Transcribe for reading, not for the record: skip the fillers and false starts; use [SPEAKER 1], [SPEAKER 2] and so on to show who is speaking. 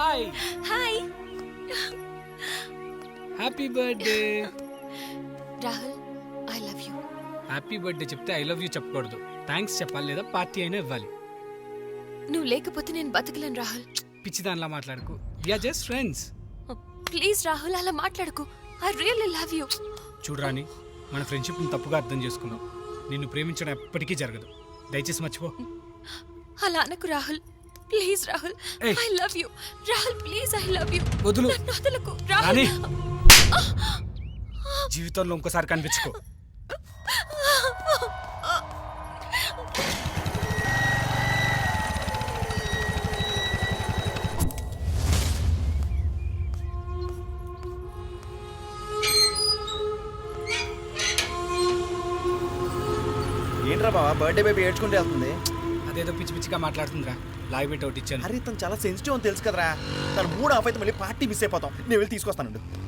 [SPEAKER 1] Hi
[SPEAKER 2] hi
[SPEAKER 1] happy birthday.
[SPEAKER 2] Rahul, I love you.
[SPEAKER 1] Happy birthday చెప్తే I love you చెప్పకూడదు, thanks చెప్పాలి లేదా party అయినా ఇవ్వాలి.
[SPEAKER 2] నువ్వు లేకపోతే నేను బతకలేను రాహుల్.
[SPEAKER 1] పిచ్చి దానిలా మాట్లాడుకు, we're just friends.
[SPEAKER 2] Please Rahul, అలా మాట్లాడకు. I really love you.
[SPEAKER 1] చూడరాని, మన ఫ్రెండ్షిప్ని తప్పుగా అర్థం చేసుకున్నావు. నిన్ను ప్రేమించడం ఎప్పటికీ జరగదు, దయచేసి మర్చిపో.
[SPEAKER 2] అలా అనకు రాహుల్, ప్లీజ్ రాహుల్.
[SPEAKER 1] ఏయ్.
[SPEAKER 2] I love you Rahul, please I love you.
[SPEAKER 1] వదులు.
[SPEAKER 2] నన్ను వదలకు
[SPEAKER 1] రాణి,
[SPEAKER 2] రాహుల్.
[SPEAKER 1] జీవితంలో ఇంకోసారి కనిపించుకో.
[SPEAKER 3] ఏంట్రా బావా, బర్త్డే బేబీ ఏడ్చుకుంటూ వెళ్తుంది.
[SPEAKER 1] అదేదో పిచ్చి పిచ్చిగా మాట్లాడుతుందిరా, లాగి పెట్టి ఒకటి ఇచ్చాను.
[SPEAKER 3] అరే తను చాలా సెన్సిటివ్ అని తెలుసు కదరా. తను మూడు ఆఫ్ అయితే మళ్ళీ పార్టీ మిస్ అయిపోతాం. నేను వెళ్ళి తీసుకొస్తానండి.